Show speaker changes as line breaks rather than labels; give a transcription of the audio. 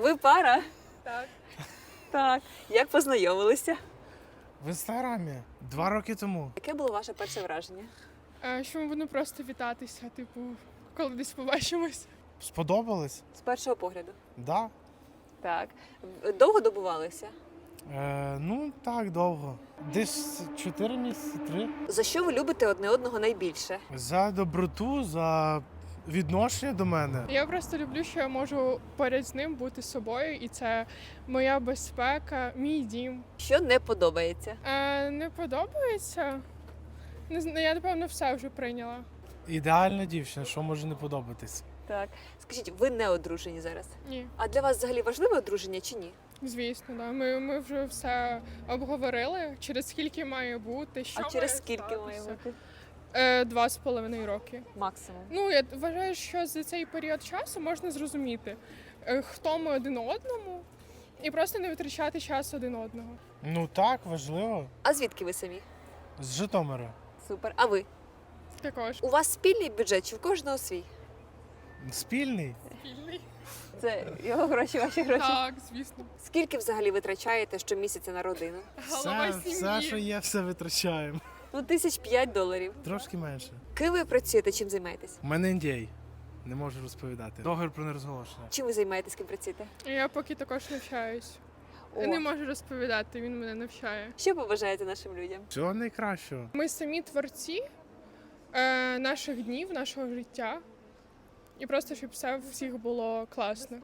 Ви пара?
Так.
Так. Як познайомилися?
В інстаграмі 2 роки тому.
Яке було ваше перше враження?
Що ми будемо просто вітатися, типу, коли десь побачимось.
Сподобалось?
З першого погляду.
Да.
Так. Довго добувалися?
Ну так, довго. Десь 4 місяці, 3.
За що ви любите одне одного найбільше?
За доброту, за відношення до мене.
Я просто люблю, що я можу поряд з ним бути собою, і це моя безпека, мій дім.
Що не подобається?
Не подобається? Не знаю, я, напевно, все вже прийняла.
Ідеальна дівчина, що може не подобатись.
Так. Скажіть, ви не одружені зараз?
Ні,
А для вас взагалі важливе одруження чи ні?
звісно, да. Ми вже все обговорили, через скільки має бути, що
А через
має
скільки має
статися.
бути?
2,5 роки.
Максимум.
Ну, я вважаю, що за цей період часу можна зрозуміти, хто ми один одному, і просто не витрачати час один одного.
Ну так, важливо.
А звідки ви самі?
З Житомира.
Супер. А ви?
Також.
У вас спільний бюджет чи в кожного свій?
Спільний.
Це його гроші, ваші гроші.
Так, звісно.
Скільки взагалі витрачаєте щомісяця на родину?
Голова
Все,
сім'ї.
що є, все витрачаємо.
Ну, $5,000.
Трошки менше.
Ким ви працюєте, чим займаєтесь?
У мене NDA. Не можу розповідати. Договір про нерозголошення.
Чим ви займаєтесь, ким працюєте?
Я поки також навчаюсь.
О.
Я не можу розповідати, він мене навчає.
Що побажаєте нашим людям?
Всього найкращого.
Ми самі творці наших днів, нашого життя. І просто, щоб все у всіх було класно.